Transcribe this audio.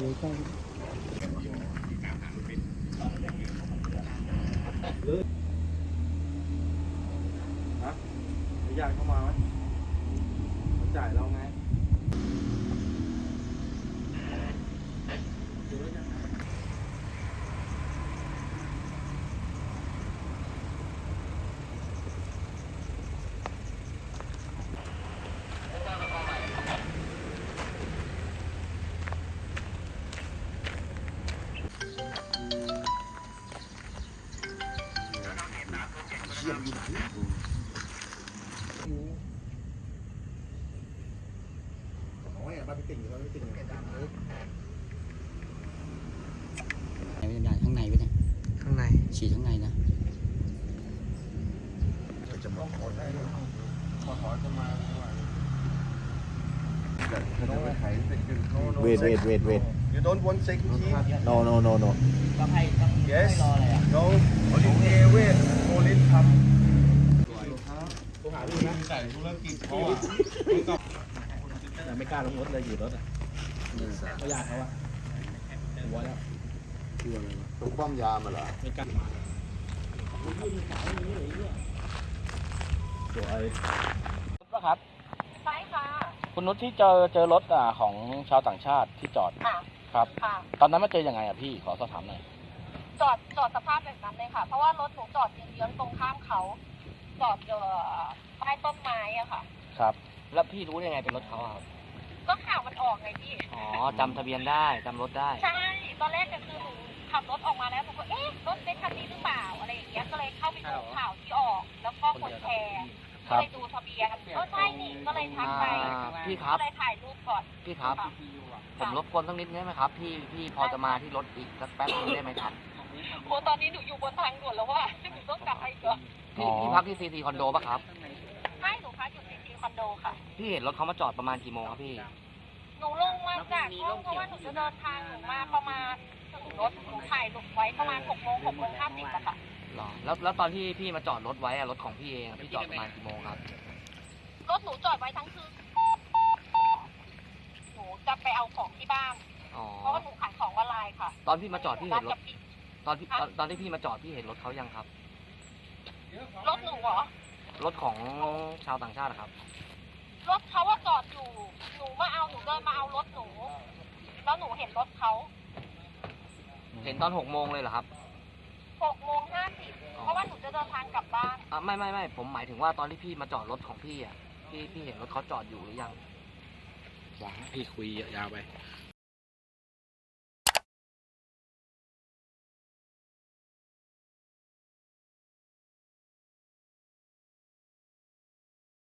ดูใกล้ฮะญาติเข้ามาไหมเขาจ่ายเราไงมาไปติ่งเขาไปติ่งดังเลยวิญญาณข้างในไว้เนี่ยข้างในฉีดข้างในนะจะมาขอได้ขอจะมา Wait. You don't want security? No. ต้องให้ต้อง Yes. รออะไรอ่ะ No. Only wait. Only come. หาลูกนะใส่ธุรกิจเขาไม่กล้าลงรถเลยอยู่รถอ่ะเขาอยากเขาอ่ะหัวแล้วตรงป้อมยามเหรอไม่กล้าสวยรถปะครับใช่ค่ะคุณนุชที่เจอรถของชาวต่างชาติที่จอดครับตอนนั้นมาเจอยังไงอ่ะพี่ขอสอบถามหน่อยจอดสภาพแบบนั้นเลยค่ะเพราะว่ารถหนูจอดเยื้องตรงข้ามเขาจอดใต้ต้นไม้อะค่ะครับแล้วพี่รู้ยังไงเป็นรถเขาครับก็ข่าวมันออกไงพี่อ๋อจำทะเบียนได้จำรถได้ใช่ตอนแรกก็คือหนูขับรถออกมาแล้วหนูก็เอ๊ะรถเป็นคันนี้หรือเปล่าอะไรอย่างเงี้ยก็เลยเข้าไปดูข่าวที่ออกแล้วก็คนแชร์ก็เลยดูทะเบียนใช่นี่ก็เลยทักไปพี่ครับก็เลยถ่ายรูปก่อนพี่ครับผมรบกวนสักนิดได้ไหมครับพี่พอจะมาที่รถอีกสักแป๊บนึงได้ไหมครับโอ้ตอนนี้หนูอยู่บนทางด่วนแล้วว่าหนูต้องกลับไปก่อนพี่พักที่ซีทีคอนโดป่ะครับใช่หนูพักอยู่ในซีคอนโดค่ะพี่เห็นรถเขามาจอดประมาณกี่โมงครับพี่หนูลงมาจากห้องเพราะว่าหนูจะเดินทางหนูมาประมาณถึงรถหนูถ่ายรูปไว้ประมาณ6 โมง50อะค่ะหรอแล้วตอนที่พี่มาจอดรถไว้รถของพี่เองพี่จอดประมาณกี่โมงครับรถหนูจอดไว้ทั้งคืนหนูจะไปเอาของที่บ้านเพราะว่าหนูขายของออนไลน์ค่ะตอนพี่มาจอดพี่เห็นรถตอนที่พี่มาจอดพี่เห็นรถเขายังครับรถหนูเหรอรถของชาวต่างชาติครับรถเขาว่าจอดอยู่หนูมาเอาหนูเดินมาเอารถหนูแล้วหนูเห็นรถเขาเห็นตอน6 โมงเลยเหรอครับ 6 โมง 50เพราะว่าหนูจะเดินทางกลับบ้านไม่ผมหมายถึงว่าตอนที่พี่มาจอดรถของพี่พี่เห็นรถเขาจอดอยู่หรือยังพี่คุยยาวไป